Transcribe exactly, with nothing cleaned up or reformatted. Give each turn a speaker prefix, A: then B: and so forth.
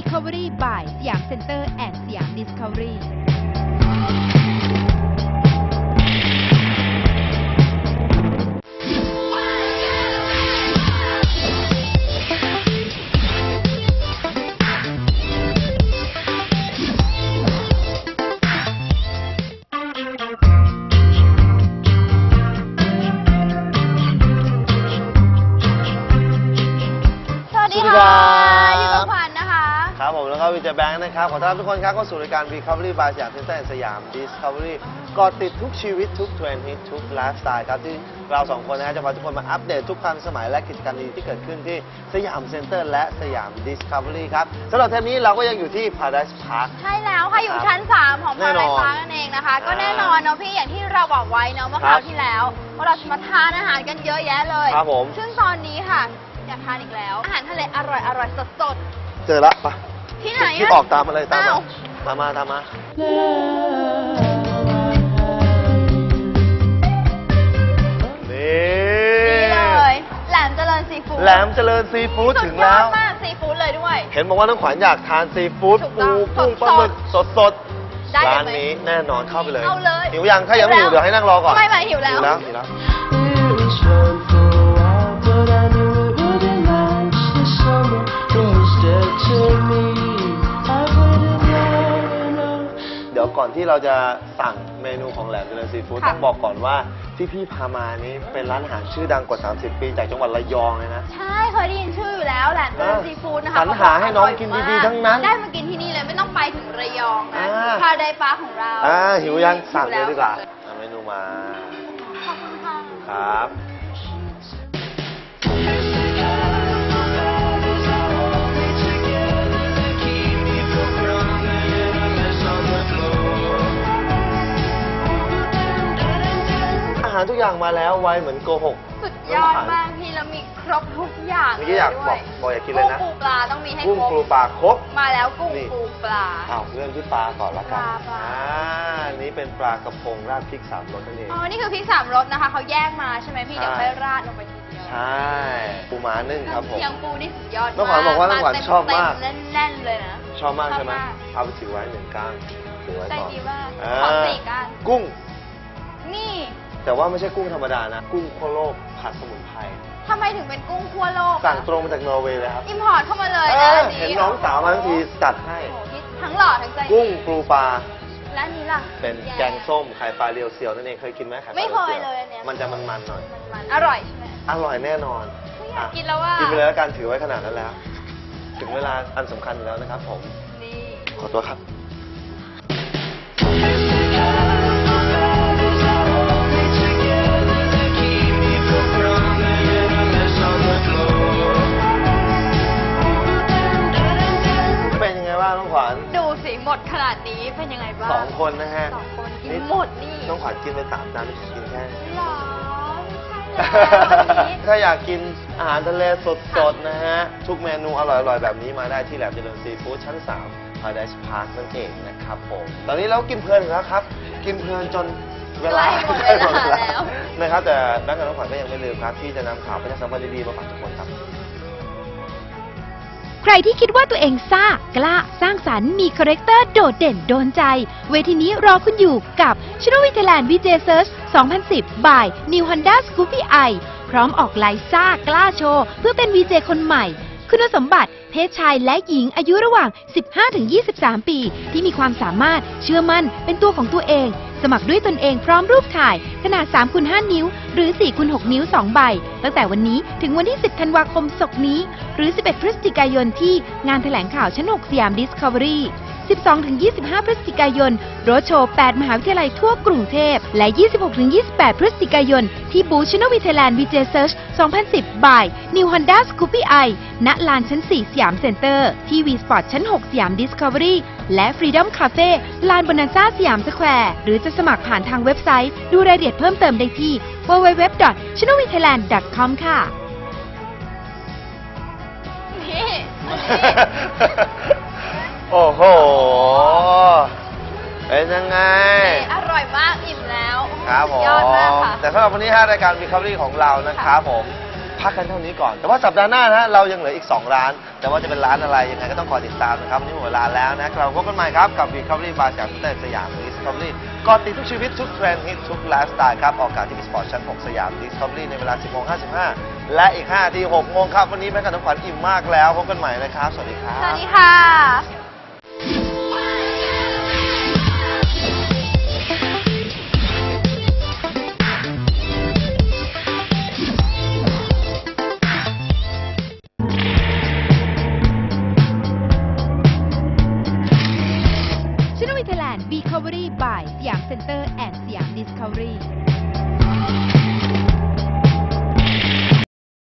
A: Discovery by สยามเซ็นเตอร์แอนด์สยาม Discovery
B: ครับผมแล้วก็วิจัยแบงค์นะครับขอต้อนรับทุกคนครับเข้าสู่รายการ Recovery by สยามเซ็นเตอร์สยาม Discovery กอดติดทุกชีวิตทุกเทรนด์ฮิตทุกไลฟ์สไตล์ครับที่เราสองคนนะฮะจะพาทุกคนมาอัปเดตทุกความสมัยและกิจกรรมดีที่เกิดขึ้นที่สยามเซ็นเตอร์และสยาม Discovery ครับสำหรับเทปนี้เราก็ยังอยู่ที่ Paradise Park
C: ใช่แล้วค่ะอยู่ชั้นสามของ Paradise Park นั่นเองนะคะก็แน่นอนเนาะพี่อย่างที่เราบอกไว้เนาะเมื่อคราวที่แล้วว่าเราจะมาทานอาหารกันเยอะแยะเลย
B: ครับผม
C: ซึ่งตอนนี้ค่ะอยากทานอีกแล้วอาหารทะเลอร่อยอร่อยสด
B: ๆเจอละปะ
C: ที่ไหน
B: ที่ออกตามมาเลยตามมาตามมาตามมานี่
C: เลยแหลมเจริญซีฟู้ด
B: แหลมเจริญซีฟู้ดถึงแล้ว
C: มากซีฟู้ดเลยด้วย
B: เห็นบอกว่าน้องขวัญอยากทานซีฟู้ดปูกุ้งปลาหมึกสดๆร้านนี้แน่นอนเข้าไปเลยหิวยังถ้ายังไม่หิวเดี๋ยวให้นั่งรอก่อน
C: ไม่ไม่หิวแล้ว
B: หิวแล้วหิวแล้วเดี๋ยวก่อนที่เราจะสั่งเมนูของแหลมเจริญซีฟู้ดต้องบอกก่อนว่าที่พี่พามานี้เป็นร้านอาหารชื่อดังกว่าสามสิบปีจากจังหวัดระยองเลยนะ
C: ใช่เคยได้ยินชื่ออยู่แล้วแหลมเจริญซีฟู้ดนะคะ
B: สรรหาให้น้องกินดีๆทั้งนั้น
C: ได้มากินที่นี่เลยไม่ต้องไปถึงระยองนะพาไดปาร์คของเรา
B: อ่าหิวยังสั่งเลยดีกว่าเมนูมา
C: ขอบคุณค่ะ
B: ครับอาหารทุกอย่างมาแล้วไวเหมือนโกหก
C: สุดยอดมากพี่แล้วมีครบทุกอย่าง
B: เมื่อกี้อยากบอกบอกอยากกินเลยนะ
C: กุ้งปูปลาต้องมีให้ครบ
B: กุ้งปูปลาครบ
C: มาแล้วกุ้งปูปลา
B: อ้าวเริ่มที่ปลาก่อนละกันอ่านี้เป็นปลากระพงราดพริกสามรสนั่นเอง
C: อ๋อนี่คือพริกสามรสนะคะเขาแยกมาใช่ไหมพี่เดี๋ยวค่อยราดลงไปทีเดียว
B: ใช่ปูม้านึ่งครับผม
C: เชียงปูนี่สุดยอดมาก
B: น้องขวัญบอกว่าน้องขวัญชอบมาก
C: แน่นๆเลยนะ
B: ชอบมากใช่ไหมเอาไปถือไว้หนึ่งก้างถือไว้
C: ใจ
B: ก่อน
C: ดีมากขอสี่ก้าง
B: กุ้ง
C: นี่
B: แต่ว่าไม่ใช่กุ้งธรรมดานะกุ้งขั้วโลกผัดสมุนไพร
C: ทำไมถึงเป็นกุ้งขั้วโลก
B: สั่งตรงมาจากนอร์เวย์เลยครับ
C: อิมพอร์ตเข้ามาเลยนะ
B: เห็นน้องสาวมาทั้งทีจัดให้
C: ทั้งหล่อทั้งใจ
B: กุ้งปูปลา
C: และนี้ล่ะ
B: เป็นแกงส้มไข่ปลาเรียวเซียวนั่นเองเคยกินไหมไข่ปลาเรียวเซียวไม่เคยเลยเนี่ย
C: มัน
B: จะมันๆหน่อย
C: มันอร่อยใช่ไหม
B: อร่อยแน่นอน
C: กินแล้วว่า
B: กินไปแล้วการถือไว้ขนาดนั้นแล้วถึงเวลาอันสำคัญแล้วนะครับผม
C: นี่
B: ขอตัวครับน้องขวัญ
C: ดูสิหมดขนาดนี้เป็นยังไงบ้าง
B: สองคนนะฮะ
C: สองคนกินหมดนี่
B: น้องขวัญกินไปสามจานไม่กินแค่
C: หรอ
B: ถ้าอยากกินอาหารทะเลสดๆนะฮะทุกเมนูอร่อยๆแบบนี้มาได้ที่แหลมเจริญซีฟู้ดชั้นสาม Paradise Park นั่นเองนะครับผมตอนนี้เรากินเพลินแล้วครับกินเพลินจนเวลาใกล้หมดแล้วนะครับแต่แบงค์กับน้องขวัญก็ยังไม่ลืมครับที่จะนำข่าวประชาสัมพันธ์ดีๆมาฝากทุกคนครับ
A: ใครที่คิดว่าตัวเองซ่ากล้าสร้างสรรค์มีคาแรคเตอร์โดดเด่นโดนใจเวทีนี้รอคุณอยู่กับ Channel Thailand วี เจ Search สองพันสิบ by New Honda Scoopy i พร้อมออกไลน์ซ่ากล้าโชว์เพื่อเป็น วี เจ คนใหม่คุณสมบัติเพศชายและหญิงอายุระหว่าง สิบห้าถึงยี่สิบสาม ปีที่มีความสามารถเชื่อมั่นเป็นตัวของตัวเองสมัครด้วยตนเองพร้อมรูปถ่ายขนาด สามคูณห้า นิ้วหรือ สี่คูณหก นิ้ว สอง ใบตั้งแต่วันนี้ถึงวันที่ สิบ ธันวาคมศกนี้ หรือ สิบเอ็ด พฤศจิกายนที่งานแถลงข่าวชั้น หก สยาม Discovery สิบสองถึงยี่สิบห้า พฤศจิกายนโรดโชว์ แปด มหาวิทยาลัยทั่วกรุงเทพและ ยี่สิบหกถึงยี่สิบแปด พฤศจิกายนที่บูธ Channel Thailand วี เจ Search สองพันสิบ by New Honda Scoopy i ณ ลานชั้น สี่ สยามเซ็นเตอร์ที่ V Sport ชั้น หก สยาม Discovery และ Freedom Cafe ลานบนันซ่าสยามสแควร์หรือจะสมัครผ่านทางเว็บไซต์ดูรายละเอียดเพิ่มเติมได้ที่ ดับเบิลยู ดับเบิลยู ดับเบิลยู ดอท ชานเนล วี ไทยแลนด์ ดอท คอม ค่ะ
B: โอ้โหเป็นยังไง
C: อร่อยมากอิ่มแล้ว
B: ครับผม
C: ยอดมากค่ะ
B: แต่สำหรับวันนี้ฮะรายการ Recovery ของเรานะครับผมพักกันเท่านี้ก่อนแต่ว่าสัปดาห์หน้านะเรายังเหลืออีกสองร้านแต่ว่าจะเป็นร้านอะไรยังไงก็ต้องคอยติดตามนะครับวันนี้หมดเวลาแล้วนะเราพบกันใหม่ครับกับ Recovery Bar สยามเซ็นเตอร์สยาม Discovery ก็ติดทุกชีวิตทุกเทรนด์ฮิตทุกไลฟ์สไตล์ครับออกอากาศที่มีสปอร์ตชั้นหกสยาม Discovery ในเวลา สิบโมงห้าสิบห้า และอีกห้านาทีหกโมงครับวันนี้แม่กับน้องขวัญอิ่มมากแล้วพบกันใหม่นะครับสวัสดีครับ
C: สวัสดีค่ะ
A: Recovery by สยามเซ็นเตอร์แอนด์สยาม Discovery